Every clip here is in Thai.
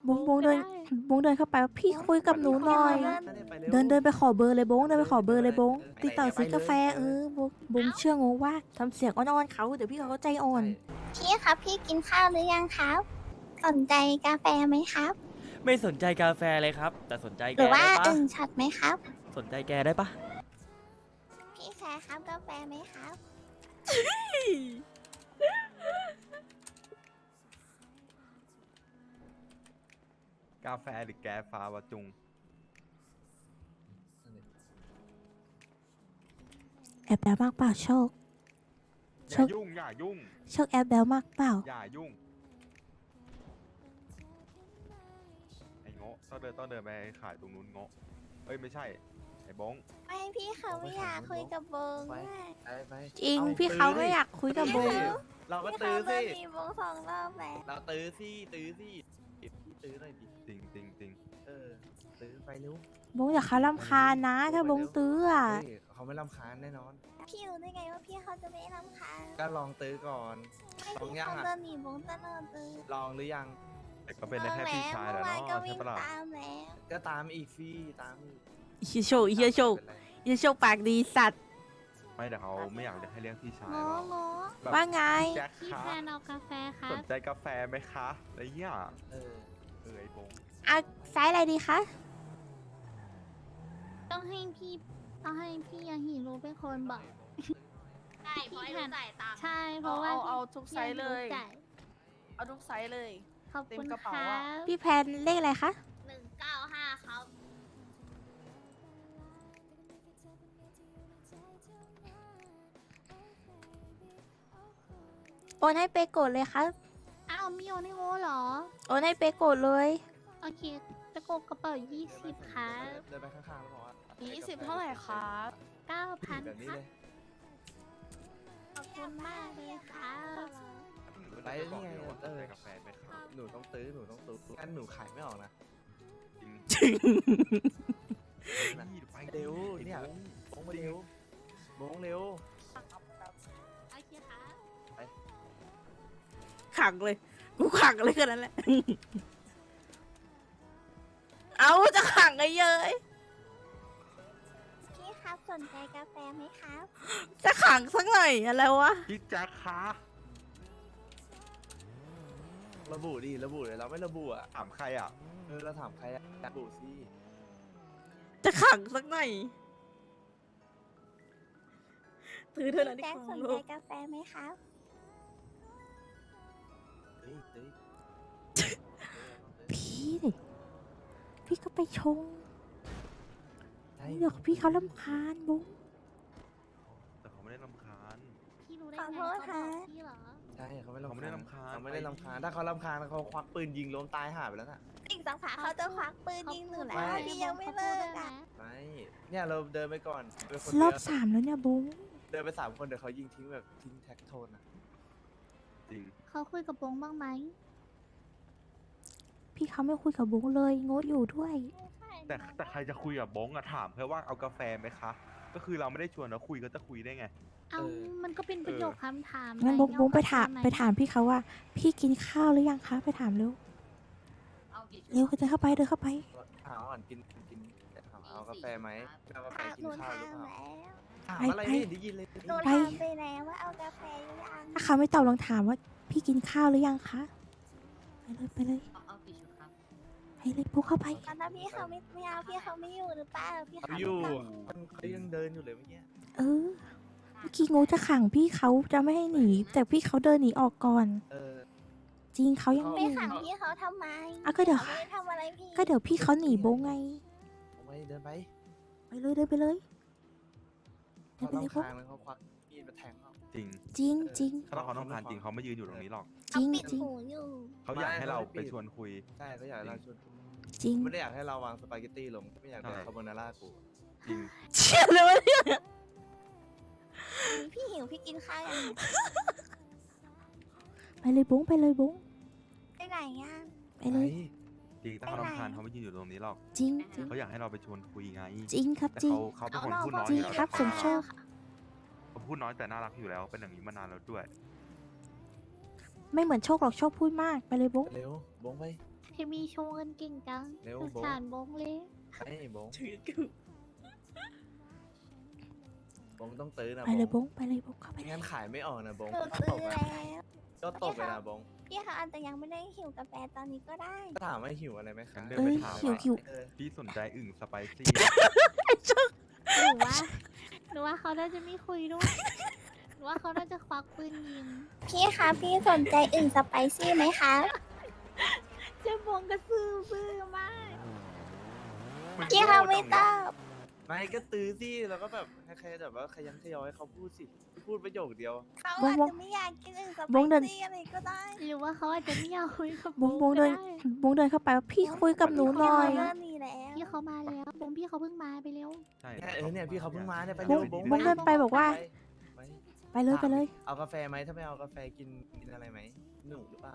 บงเดินบงเดินเข้าไปว่าพี่คุยกับหนูหน่อย เดินไปขอเบอร์เลยบงเดินไปขอเบอร์เลยบงติดต่อซื้อกาแฟบงเชื่องงว่าทำเสียงอ่อนๆเขาเดี๋ยวพี่เขาก็ใจอ่อนพี่ครับพี่กินข้าวหรือยังครับ สนใจกาแฟไหมครับไม่สนใจกาแฟเลยครับ แต่สนใจหแกรือว่าได้ปะอึ่งช็อตไหมครับสนใจแกได้ปะพี่แคร์ครับกาแฟไหมครับกาแฟหรือแกฟ้าวะจุงแอบแบลมากเปล่าโชคอย่ายุ่ง อย่ายุ่งโชคแอบแบลมากเปล่าอย่ายุ่ง ไอ้โง่ต้องเดินไปขายตรงนู้นโง่เอ้ยไม่ใช่ ไอ้บงไม่พี่เขาไม่อยากคุยกับเบิงด้วยไปจริงพี่เขาไม่อยากคุยกับบงเราก็พี่ตื้เขาอเริ่สิมมีเบิง2 รอบแล้วเราตื้อสิพี่ตื้อหน่อยดิจริงจริงจริงเออตื้อไปเร็วบงอย่าเขารำคาญนะถ้าบงตื้ออ่ะเฮ้ยเขาไม่รำคาญแน่นอนพี่รู้ได้ไงว่าพี่เขาจะไม่รำคาญก็ลองตื้อก่อนไม่ลองพี่ยังเขาอะเดินหนีเบิงตลอดเลยลองหรือยังแต่ก็เป็นได้แค่พี่ชายแหละเมื่อวานก็เนาะวิ่ใช่งปะล่ะตามแล้วก็ตามอีกสิตามอีกเฮียโชคเฮียโชคเฮียโชคปากดีสัตว์ไม่แต่เขาไม่อยากจะให้เรียกพี่ชายโง่หรอกโง่แบบว่าไงแจ็คพี่คะแฟนเอากาแฟครัสบนใจกาแฟไหมคะอะไรเงี้ยเออไอ้บงอ่ะไซส์อะไรดีคะต้องให้พี่ยาฮิโร่เป็นคนบอกใช่เพราะให้รู้จ่ายตามใช่เพราะว่าเอาทุกไซส์เลยจ่าเอาทุกไซส์เลยขอบคุณเต็มกระเป๋าครัอะบพี่แพนเลขอะไรคะ 195ครับโอนให้เปโกดเลยครับอ้าวมีโอนิโอเหรอโอนให้เปโกดเลยโอเคจะโกกระเป๋า20ครับเดินไปข้างๆแล้วบอกว่า 20 เท่าไหร่ครับ 9,000 แบบนี้ครับเลยขอบคุณมากเลยครับไปนี่ไงสนใจกาแฟไหมครับหนูต้องตื้องั้นหนูขายไม่ออกนะจริง ไปเร็วเนี่ยบงมาเร็วบงเร็วโอเคครับขังเลย กูขังเลยแค่นั้นแหละ เอาจะขังไงเย้ยพี่ครับสนใจกาแฟไหมครับจะขังสักหน่อยอะไรวะพี่แจ็คคะระบุดิระบุเลยเราไม่ระบุอ่ะถามใครอ่ะเออเราถามใครอะระบุสิจะขังสักหน่อยถือเธอหน่อยพี่ดิแจ็คขสองนลูใจกกาแฟไหมครับตื้อพี่ดิพี่ก็ไปชงใช่เดี๋ยวพี่เขาลำคาญบุ้งแต่เขาไม่ได้รำคาญพี่รู้ได้ขอไงโทษเขาบค่ะอกพี่เหรอใช่เขาไม่เขาไม่ได้รำรำคาคาญญเขาไม่ได้รำคาญถ้าเขารำคาญเขาควักปืนยิงล้มตายหาไปแล้วน่ะอีกสักพักเขาจะควักปืนยิงหนูแล้วไม่พี่ยังไม่เลิกอ่ะไม่เนี่ยเราเดินไปก่อนเดินคนรเดีอยวบ 3แล้วเนี่ยบุ้งเดินไป3 คนเดี๋ยวเขายิงทิ้งแบบทิ้งแท็กโทนอ่ะจริงเขาคุยกับบงบ้างไหมพี่เขาไม่คุยกับบุ้งเลยโง่อยู่ด้วยแต่ใครจะคุยกับบงอะถามแค่ว่าเอากาแฟไหมคะ ก็คือเราไม่ได้ชวนเราคุยก็จะคุยได้ไงเอามันก็เป็นประโยคคำถามงั้นไบุ้งไปเอถามกาแฟหไปถามพี่เขาว่า พี่กินข้าวหรือยังคะไปถามเร็วเอากี่ชุดเร็วเดินเข้าไปเดินเข้าไปถามก่อนกินถามเอากาแฟไหมเอากาแฟถามกิหนูนข้าวถาหรือมเปล่าแล้วถามอะไรไม่เห็นได้ยินเลยหนูไปถามไปแล้วว่าเอากาแฟหรือยังถ้าเขาไม่ตอบลองถามว่า พี่กินข้าวหรือยังคะไปเลยเอากี่ชุดครับไปเลยบุ้งเข้าไปตอนนั้นพี่เขาไม่เอาพี่เขาไม่อยู่หรือเปล่าพี่เขาเขาอยู่ไม่กลับเขายังเดินอยู่เลยเมื่อกี้เออเมื่อกี้งูจะขังพี่เขาจะไม่ให้หนี แต่พี่เขาเดินหนีออกก่อนเออจริงเขายังไม่ไม่ขังพี่เขาทำไมอ่ะก็เดี๋ยวพี่ขาไม่ได้ทำอะไรพี่ก็เดี๋ยวพี่เขาหนีโบงไงเอาไว้เดินไปไปเลยเดินไปเลยเดิเขานไปเลยต้องโบงคางแล้วเขาควักมีดมาแทงเขาจริงจริงจริงถ้าเขาต้องการจริงเขาไม่ยืนอยู่ตรงนี้หรอกจริงเอาปิดจริงหูอยู่เขาอยากให้เราไปชวนคุยใช่เขาอยากให้เราชวนจริงไม่ได้อยากให้เราวางสปาเกตตี้ลงไม่อยากได้ใช่คาโบนาร่ากูจริงเชื่อเลยวะเนี่ยพี่หิวพี่กินข้าวยังไปเลยโบงไปเลยโบงไปไหนอ่ะไปเลยจริงถ้าเขารำคาญเขาไม่ยืนอยู่ตรงนี้หรอกจริงจริงเขาอยากให้เราไปชวนคุยไงจริงครับแต่จริงเขาเป็นคนพูดน้อยจริอง ยู่แล้วครับสมโชคเขาพูดน้อยแต่น่ารักอยู่แล้ว เป็นอย่างนี้มานานแล้วด้วยไม่เหมือนโชคหรอกโชคพูดมากไปเลยโบงเร็วบงไปโอเคมีโชว์เงินเก่งจังเร็วสงโบ๊ะสารบงเลยไอ้บงบงต้องตื้อนะไปเลยบงไปเลยบงเข้าไปไม่เลยงั้นขายไม่ออกนะบงหนูก็ซื้ตอกอะแล้วก็ตกเลยนะบงพี่เขาอาจจะยังไม่ได้หิวกาแฟตอนนี้ก็ได้ก็ถามว่าหิวอะไรไหมคะงั้นเดินเอ้ไปยถามหิวว่าหิวเออพี่สนใจอึ่งสไปซี่หนูว่าหนูว่าเขาน่าจะไม่คุยด้วยหนูว่าเขาน่าจะควักปืนยิงพี่คะพี่สนใจอึ่งสไปซี่ไหมคะเจ๊บงก็ซื่อมากพี่เขาไม่ตอบไม่ก็ตื้อสิแล้วก็แบบให้ใครแบบว่าขยันขยอให้เขาพูดสิพูดประโยคเดียวเขาอาจจะไม่อยากกินอึ่งสไปบงเดินซี่อะไรก็ได้หรือว่าเขาอาจจะไม่อยากคุยกับบงบงเดินก็ไบงเดินเข้าไปว่าพี่คุยกับหนูหน่อยเริ่มมีแล้วพี่เขามาแล้วบงพี่เขาเพิ่งมาไปเร็วใช่เนี่ยพี่เขาเพิ่งมาเนี่ยไปบเร็งวบงเดินไปบอกว่าไปไปเลยไปเลยเอากาแฟไหมถ้าไม่เอากาแฟกินอะไรไหมหนูหรือเปล่า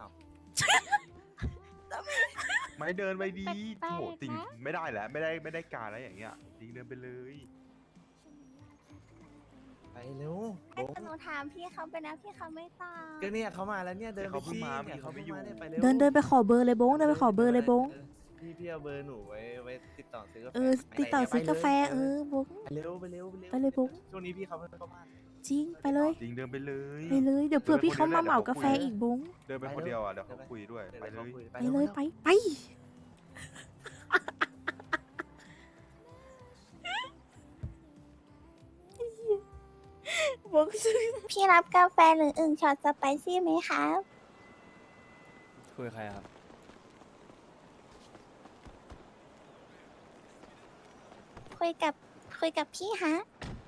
ไม่เดินไปดีแปลกๆโหจริงนะไม่ได้แล้วไม่ได้การแล้วอย่างเงี้ยจริงเดินไปเลยไปเร็วบงแต่หนูถามพี่เขาไปแล้วพี่เขาไม่ตอบก็เนี่ยเขามาแล้วเนี่ยเดินไปเขาเพิ่งสิมาเนี่ยเขาไม่อยู่เนี่ยไปเร็วเดินไปขอเบอร์เลยบงเดินไปขอเบอร์เลยบงพี่เอาเบอร์หนูไว้ติดต่อซื้อกาแฟเออติดต่อซื้อกาแฟบงไปเร็วไปเร็วไปเลยบุ๊กช่วงนี้พี่เขาไม่เข้าบ้านจริงไปเลยจริงเดินไปเลยไปเลยเดี๋ยวเผื่อพี่เขามาเหมากาแฟอีกบงเดินไปคนเดียวอ่ะเดี๋ยวเขาคุยด้วยไปเลยไปเลยไปบงซื้อพี่รับกาแฟหรืออึ่งช็อตสไปซี่ไหมคะคุยกับใครครับคุยกับพี่ฮะ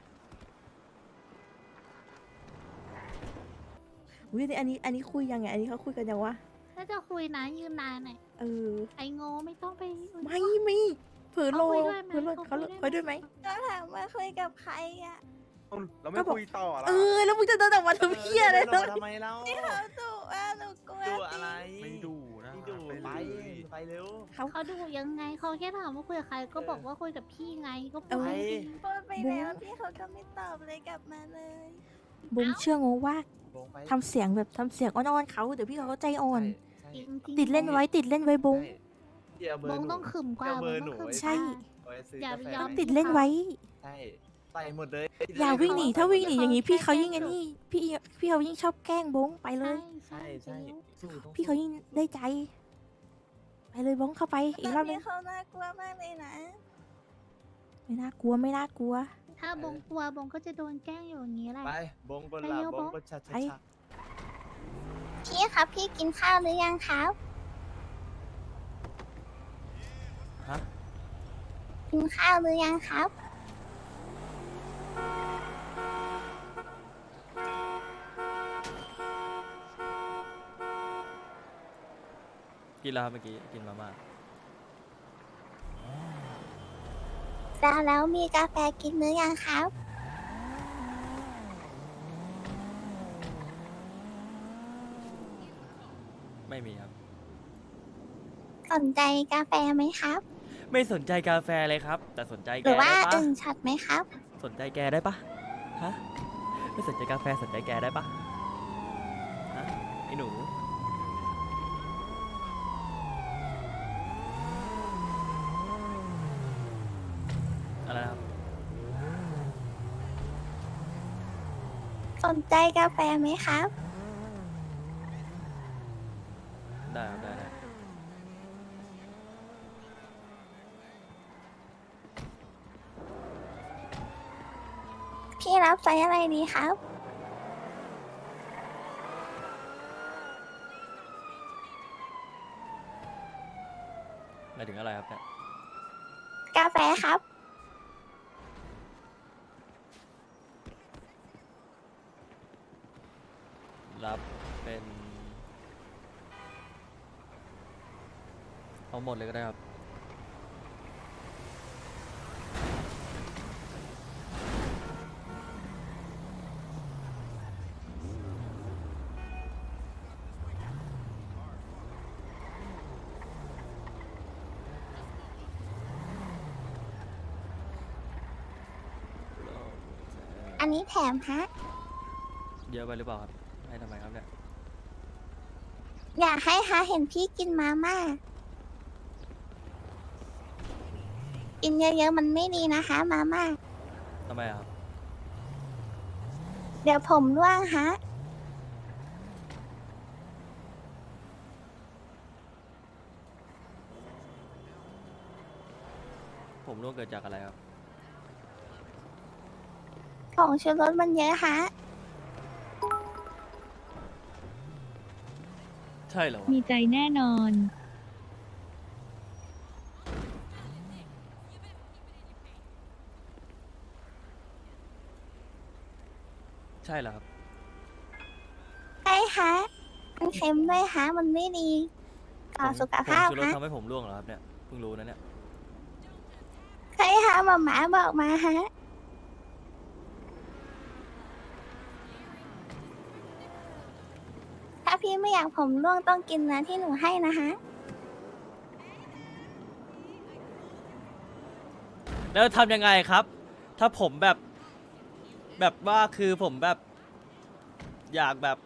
อุ้ยอันนี้คุยยังไงอันนี้เขาคุยกันยังวะน่าจะคุยนะยืนนานหน่อยเออไอ้โง่ไม่ต้องไปไม่เผื่อโลเขาคุยด้วยไหมเผื่อโลเขาเขาคุยด้วยไหมคุยด้วยไหมก็ถามว่าคุยกับใครอ่ะเราไม่คุยต่อละเออแล้วมึงจะเดินออกมาทำเพี้ยอะไรเดิเนาะนทำไมเราเขาดุว่าหนูกลัวดูอะไรไม่ดูนะไม่ดูไปไปเลยไปเร็วเขาดูยังไงเขาแค่ถามว่าคุยกับใครก็บอกว่าคุยกับพี่ไงก็พูดไปจริงพูดไปแล้วพี่เขาก็ไม่ตอบเลยกลับมาเลยบงเชื่องงว่าบงไปทำเสียงแบบทำเสียงอ่อนๆเขาเดี๋ยวพี่เขาก็ใจอ่อนใช่จริงๆติดเล่นไว้ติดเล่นไว้บงใช่พี่เอาเบอร์บงหนูต้องขึมกว่าเอาเบอร์บงต้องขึมหนูไว้ใช่ไว้ซื้ออย่ากาไปแฟยอมติดเล่นไว้ใช่ใส่หมดเลยอย่าวิ่งหนีถ้าวิ่งหนีอย่างนี้พี่เขายิ่งไอ้นี่พี่เขายิ่งชอบแกล้งบงไปเลยใช่ใช่สู้ต้องพี่เขายิ่งได้ใจ ไปเลยบงเข้าไปอีกรอบนึพี่งเขาน่ากลัวมากเลยนะไม่น่ากลัวไม่น่ากลัวถ้าบงกลัวบงก็จะโดนแกล้งอยู่อย่างนี้แหละไปบงบนไปหลัเร็วบบงงบนชัดไปชัดพี่ครับพี่กินข้าวหรือยังครับฮะกินข้าวหรือยังครับกินแล้วครับเมื่อกี้กินมาม่าแล้วมีกาแฟกินหรือยังครับไม่มีครับสนใจกาแฟไหมครับไม่สนใจกาแฟเลยครับ แต่สนใจหแกรือว่าได้ปะอึ่งช็อตไหมครับสนใจแกได้ปะฮะไม่สนใจกาแฟสนใจแกได้ปะฮะไอ้หนูอะไรนะครับสนใจกาแฟไหมครับได้ครับได้พี่รับไซส์อะไรดีครับหมายถึงอะไรครับเนี่ยกาแฟครับรับเป็นเอาหมดเลยก็ได้ครับอันนี้แถมฮะเยอะไปหรือเปล่าครับ ให้ทำไมครับเนี่ยอยากให้ฮะเห็นพี่กินมาม่ากินเยอะๆมันไม่ดีนะคะมาม่าทำไมอะครับเดี๋ยวผมร่วงฮะผมร่วงเกิดจากอะไรครับของชูรสมันเยอะฮะใช่เหรอวะมีใจแน่นอนใช่เหรอครับใช่ฮะ มันเค็มด้วยฮะ มันไม่ดีต่อสุขภาพผมชูรสฮะทำให้ผมร่วงเหรอครับเนี่ย เพิ่งรู้นะเนี่ยใช่ฮะหมาบอกมาฮะ ถ้าพี่ไม่อยากผมร่วงต้องกินนะที่หนูให้นะฮะแล้วทำยังไงครับ ถ้าผมแบบว่าคือผมแบบอยากแบบ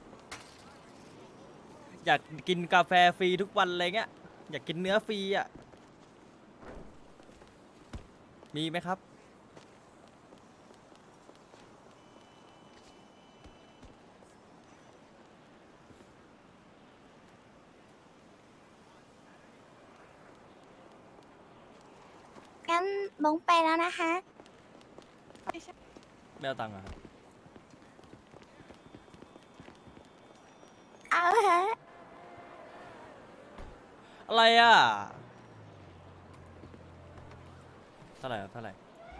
อยากกินกาแฟฟรีทุกวันอะไรเงี้ย อยากกินเนื้อฟรีอ่ะ มีไหมครับงั้นลงไปแล้วนะคะไม่เอาตังค์เหรอะครับเอาฮะอะไรอ่ะ เท่าไหร่ครับ เท่าไหร่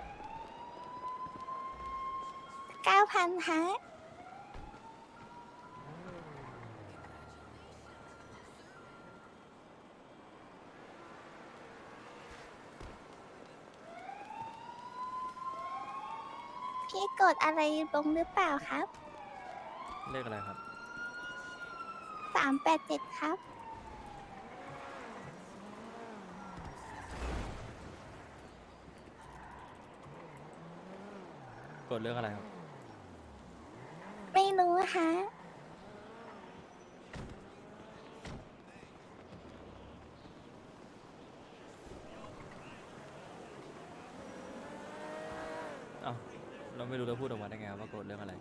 9,000ฮะ พี่กดอะไรลงหรือเปล่าครับเลขอะไรครับ 387 ครับกดเรื่องอะไรครับไม่รู้ฮะเอ้า เราไม่รู้เราพูดออกมาได้ไงครับว่ากดเรื่องอะไร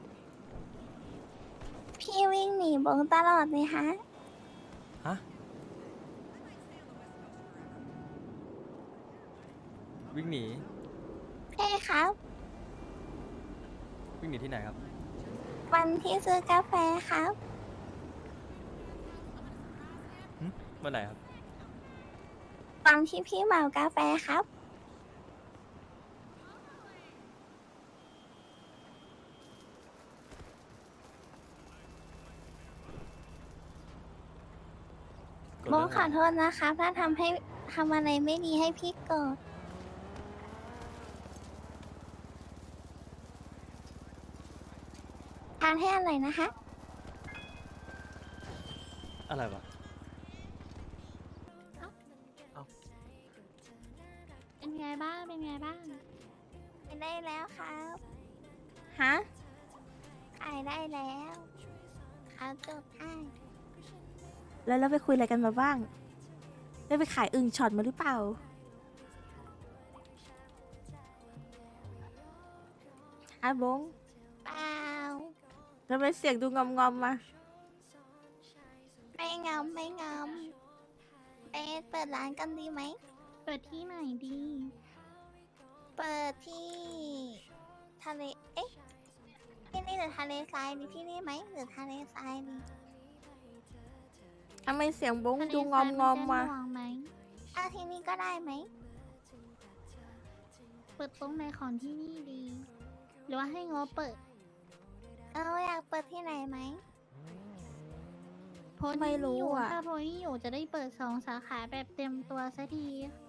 พี่วิ่งหนีบงตลอดเลยฮะฮะ วิ่งหนีใช่ครับวิ่งหนีที่ไหนครับวันที่ซื้อกาแฟครับวันไหนครับวันที่พี่เหมากาแฟครับกดโบเรื่องขอโทษนะครับ ถ้าทำอะไรไม่ดีให้พี่โกรธทานให้อร่อยนะคะอะไรวะเป็นไงบ้าง เป็นไงบ้างขายได้แล้วครับฮะขายได้แล้วเขาจดให้แล้วเราไปคุยอะไรกันมาบ้าง ได้ไปขายอึ่งช็อตมาหรือเปล่าฮะบงเปล่าทำไมเสียงดูงอมๆมาไม่งอมไม่งอมไปเปิดร้านกันดีไหมเปิดที่ไหนดีเปิดที่ทะเล เอ๊ะ ที่นี่หรือทะเลทรายดีที่นี่ไหมหรือทะเลทรายดีทำไมเสียงบงทะเลดูทรายงนอมจะๆมาหน่วงไหมเอาที่นี่ก็ได้ไหมเปิดตรงไหนของที่นี่ดี หรือว่าให้งอเปิดอยากเปิดที่ไหนไหมโพสต์ไม่ที่รู้อยู่อ่ะถ้าโพสต์ที่อยู่จะได้เปิด2 สาขาแบบเต็มตัวสักที